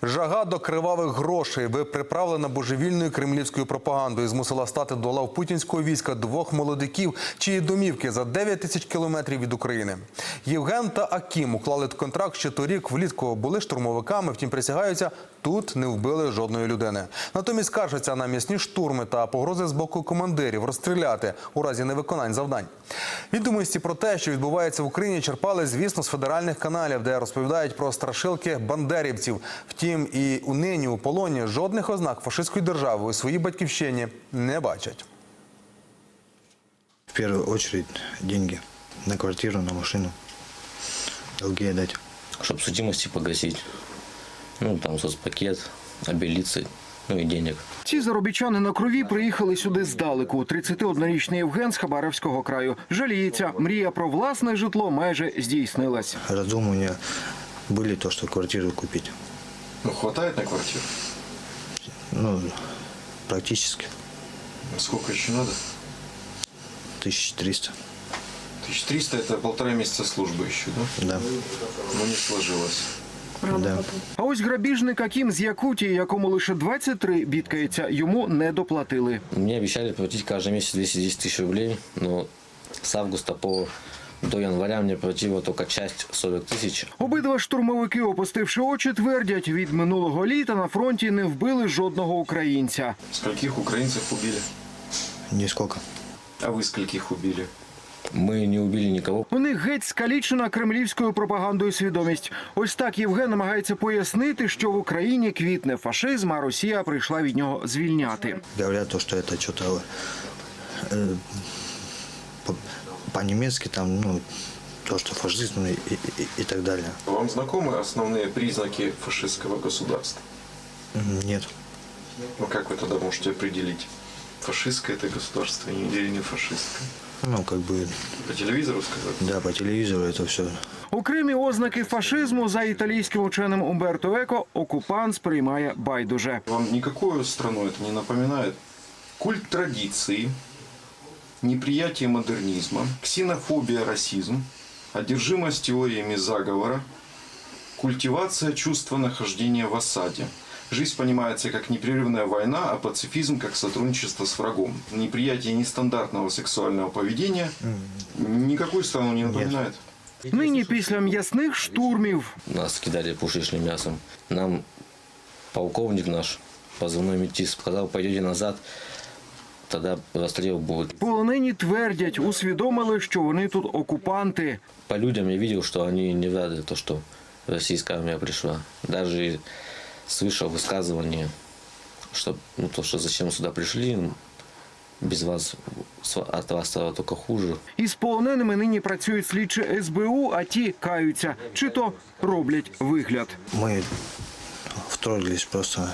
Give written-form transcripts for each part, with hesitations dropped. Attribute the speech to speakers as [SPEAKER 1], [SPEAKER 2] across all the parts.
[SPEAKER 1] Жага до кривавих грошей, приправлена божевільною кремлівською пропагандою, змусила стати до лав путінського війська двох молодиків, чиї домівки за 9 тисяч кілометрів від України. Євген та Акім уклали контракт ще торік влітку, були штурмовиками, втім присягаються, тут не вбили жодної людини. Натомість скаржаться на м'ясні штурми та погрози з боку командирів розстріляти у разі невиконань завдань. Відомості про те, що відбувається в Україні, черпали, звісно, з федеральних каналів, де розповідають про страшилки бандерівців. Втім, і нині у полоні жодних ознак фашистської держави у своїй батьківщині не бачать.
[SPEAKER 2] В первую очередь деньги на квартиру, на машину, долги отдать.
[SPEAKER 3] Чтобы судимости погасить. Ну, там соцпакет, обелиться, ну и денег.
[SPEAKER 4] Ці заробітчани на крові приїхали сюди здалеку. 31-річний Євген з Хабаровського краю. Жаліється, мрія про власне житло майже здійснилась.
[SPEAKER 2] Раздумывания были то, что квартиру купить.
[SPEAKER 5] Ну, хватает на квартиру?
[SPEAKER 2] Ну, практически.
[SPEAKER 5] Сколько еще надо?
[SPEAKER 2] 1300.
[SPEAKER 5] 1300 – это 1,5 месяца службы еще, да?
[SPEAKER 2] Да.
[SPEAKER 5] Но не сложилось.
[SPEAKER 2] Да.
[SPEAKER 4] А ось грабіжник Акім з Якутії, якому лише 23, бідкається, йому не доплатили.
[SPEAKER 3] Мне обещали платить каждый месяц 210 тысяч рублей, но с августа до января мне платила только часть 40 тысяч.
[SPEAKER 4] Обидва штурмовики, опустивши очі, твердять, від минулого літа на фронті не вбили жодного українця.
[SPEAKER 5] Скольких украинцев убили?
[SPEAKER 2] Нисколько.
[SPEAKER 5] А вы скольких убили?
[SPEAKER 3] Мы не убили никого.
[SPEAKER 4] У них геть скалічена кремлівською пропагандою свідомість. Ось так Євген намагається пояснити, що в Україні квітне фашизм, а Росія прийшла від нього звільняти.
[SPEAKER 2] Говорят то, что это что-то по-немецки, там, ну, то, что фашизм и так далее.
[SPEAKER 5] Вам знакомы основные признаки фашистского государства?
[SPEAKER 2] Нет.
[SPEAKER 5] Ну, как вы тогда можете определить, фашистское это государство или не фашистское?
[SPEAKER 2] Ну, как бы,
[SPEAKER 5] По телевизору сказать?
[SPEAKER 2] да, по телевизору это все.
[SPEAKER 4] Окремі ознаки фашизму, за італійським ученим Умберто Еко, окупант сприймає байдуже.
[SPEAKER 5] Вам никакую страну это не напоминает? Культ традиции, неприятие модернизма, ксенофобия, расизм, одержимость теориями заговора, культивация чувства нахождения в осаде. Жизнь понимается как непрерывная война, а пацифизм как сотрудничество с врагом. Неприятие нестандартного сексуального поведения никакую страну не напоминает.
[SPEAKER 4] Нині після м'ясних штурмів
[SPEAKER 3] Нас кидали пушечным мясом. Нам полковник наш, позывной метис, сказал, пойдете назад, тогда расстрел будет.
[SPEAKER 4] полонені твердять, усвідомили, що вони тут окупанти.
[SPEAKER 3] По людям я видел, что они не рады, то, что российская армия пришла. Даже слышал высказывание, что, ну, то, что зачем сюда пришли, без вас, от вас стало только хуже.
[SPEAKER 4] Із полоненими нині працюють слідчі СБУ, а ті каються, чи то роблять вигляд.
[SPEAKER 2] Мы вторглись просто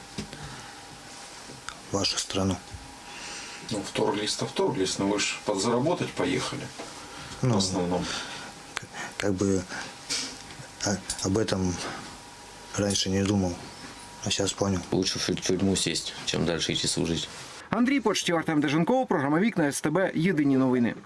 [SPEAKER 2] в вашу страну.
[SPEAKER 5] Ну, вторглись-то вторглись, но вы же подзаработать поехали в
[SPEAKER 2] Ну,
[SPEAKER 5] основном.
[SPEAKER 2] как бы об этом раньше не думал, а сейчас понял.
[SPEAKER 3] Лучше в тюрьму сесть, чем дальше идти служить.
[SPEAKER 4] Андрій Почтів, Артем Деженков, програма «Вікна СТБ», єдині новини.